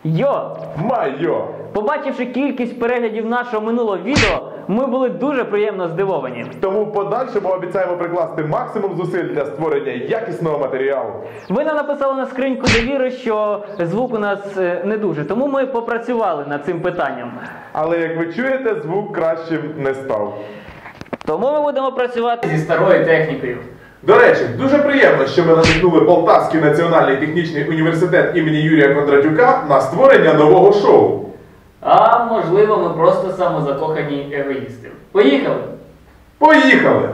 Йо! Майо! Побачивши кількість переглядів нашого минулого відео, ми були дуже приємно здивовані. Тому в подальшому обіцяємо прикласти максимум зусиль для створення якісного матеріалу. Ви нам написали на скриньку довіри, що звук у нас не дуже, тому ми попрацювали над цим питанням. Але, як ви чуєте, звук кращим не став. Тому ми будемо працювати зі старою технікою. До речі, дуже приємно, що ми надихнули Полтавський національний технічний університет імені Юрія Кондратюка на створення нового шоу. А можливо, ми просто самозакохані егоїсти. Поїхали! Поїхали!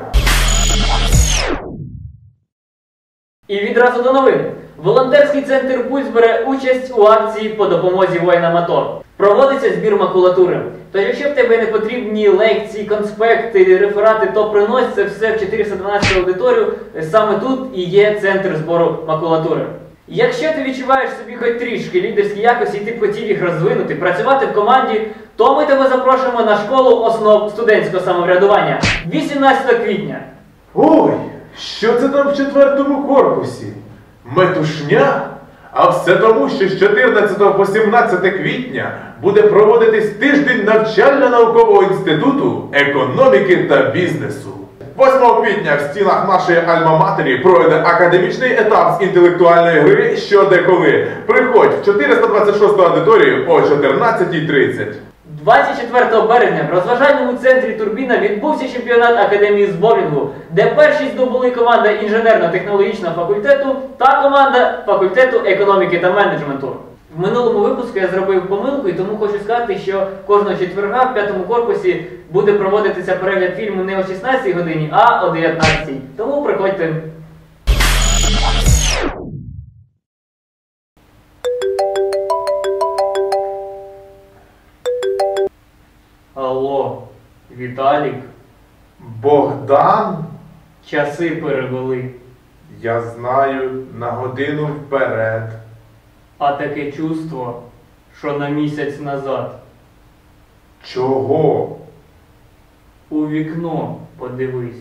І відразу до новин. Волонтерський центр «Пульс» бере участь у акції по допомозі воїнам АТО. Проводиться збір макулатури. Тож, якщо в тебе не потрібні лекції, конспекти, реферати, то принось це все в 412 аудиторію. Саме тут і є центр збору макулатури. Якщо ти відчуваєш собі хоч трішки лідерські якості і ти б хотів їх розвинути, працювати в команді, то ми тебе запрошуємо на школу основ студентського самоврядування 18 квітня. Ой, що це там в 4-му корпусі? Метушня? А все тому, що з 14 по 17 квітня буде проводитись тиждень навчально-наукового інституту економіки та бізнесу. 8 квітня в стінах нашої альма-матері пройде академічний етап з інтелектуальної гри «Що де коли». Приходь в 426-ту аудиторію о 14:30. 24 березня в розважальному центрі «Турбіна» відбувся чемпіонат Академії з боулінгу, де перші здобули команда інженерно-технологічного факультету та команда факультету економіки та менеджменту. В минулому випуску я зробив помилку, і тому хочу сказати, що кожного четверга в 5-му корпусі буде проводитися перегляд фільму не о 16 годині, а о 19. Тому приходьте. Алло, Віталік? Богдан? Часи перевели. Я знаю, на годину вперед. А таке чувство, що на місяць назад. Чого? У вікно подивись.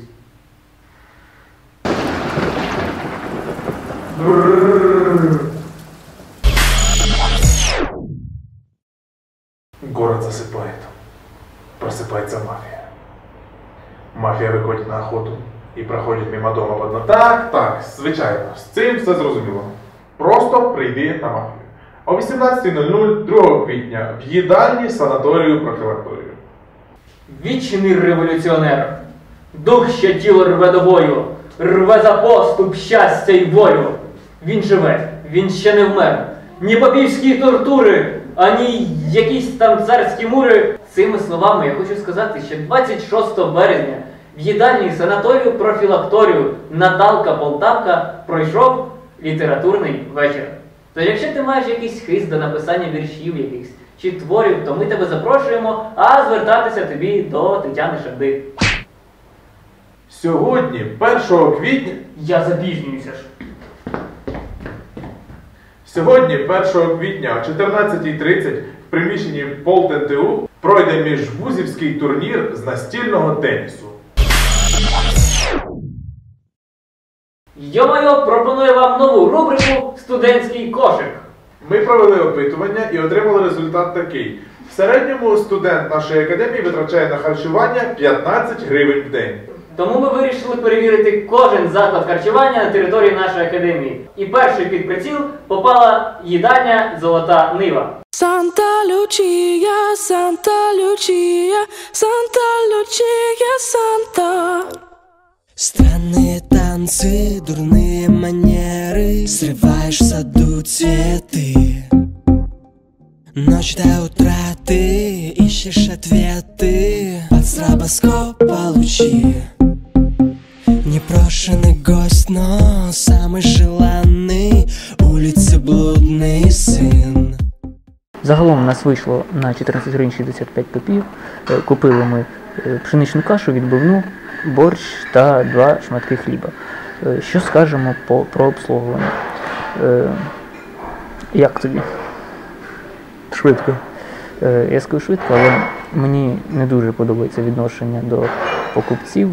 Город засыпает. Просыпается мафия. Мафія виходить на охоту і проходить мимо дома в одно. Так, звичайно, з цим все зрозуміло. Просто прийди на мафію. О 18:00 2 квітня в їдальні санаторію профілакторію. Вічний революціонер, дух, що тіло рве до бою, рве за поступ, щастя й волю. Він живе, він ще не вмер. Ні попівські тортури, ані якісь там царські мури. Цими словами я хочу сказати, що 26 березня в їдальні санаторію профілакторію Наталка Полтавка пройшов літературний вечір. Тож якщо ти маєш якийсь хист до написання віршів якихось чи творів, то ми тебе запрошуємо, а звертатися тобі до Тетяни Шарди. Сьогодні, 1 квітня... Я запізнююся ж. Сьогодні, 1 квітня о 14:30 в приміщенні ПолтНТУ пройде міжвузівський турнір з настільного тенісу. Йо-майо пропонує вам нову рубрику «Студентський кошик». Ми провели опитування і отримали результат такий. В середньому студент нашої академії витрачає на харчування 15 гривень в день. Тому ми вирішили перевірити кожен заклад харчування на території нашої академії. І перший під приціл попала їдальня «Золота Нива». Санта Лючія, Санта Лючія, Санта Лючія, Санта. Странные танцы, дурные манеры, срываешь в саду цветы. Ночь до утра ты ищешь ответы, под стробоскопа лучи. Непрошенный гость, но самый желанный, улицы блудный сын. Загалом у нас вийшло на 14 гривень 65 копійок. Купили ми пшеничну кашу, відбивну, борщ та 2 шматки хліба. Що скажемо про обслуговування? Як тобі? Швидко. Я скажу швидко, але мені не дуже подобається відношення до покупців,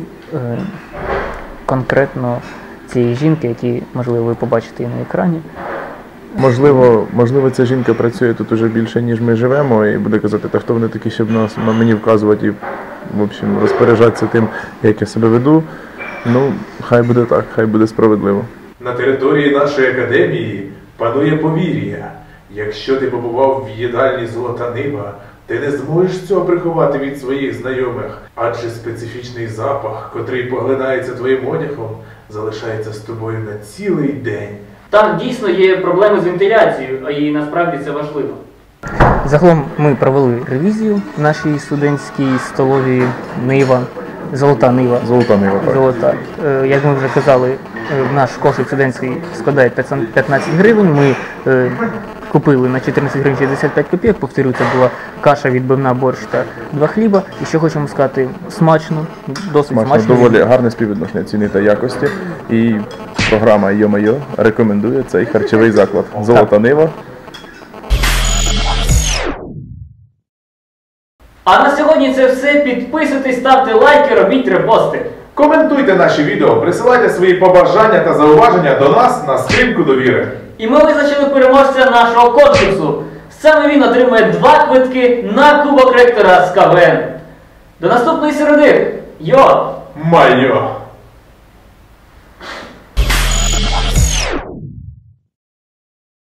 конкретно цієї жінки, які, можливо, ви побачите і на екрані. Можливо, ця жінка працює тут уже більше, ніж ми живемо, і буде казати, та хто вони такі, щоб мені вказувати і, в общем, розпоряджатися тим, як я себе веду. Ну, хай буде так, хай буде справедливо. На території нашої академії панує повір'я. Якщо ти побував в їдальні «Золота Нива», ти не зможеш цього приховати від своїх знайомих, адже специфічний запах, котрий поглинається твоїм одягом, залишається з тобою на цілий день. Так, дійсно є проблеми з вентиляцією, а і насправді це важливо. Загалом ми провели ревізію в нашій студентській столовій Нива, Золота Нива. Золота Нива, так. Золота. Як ми вже казали, наш кошик студентський складає 15 гривень. Ми купили на 14 гривень 65 копійок. Повторюю, це була каша, відбивна, борщ та 2 хліба. І що хочемо сказати, смачно, досить смачно. Доволі гарне співвідношення ціни та якості. І програма «Йо-Майо» рекомендує цей харчовий заклад. Золота Нива. А на сьогодні це все. Підписуйтесь, ставте лайки, робіть репости. Коментуйте наші відео, присилайте свої побажання та зауваження до нас на скриньку довіри. І ми визначили переможця нашого конкурсу. Саме він отримує 2 квитки на Кубок Ректора з КВН. До наступної середи! Йо! Майо!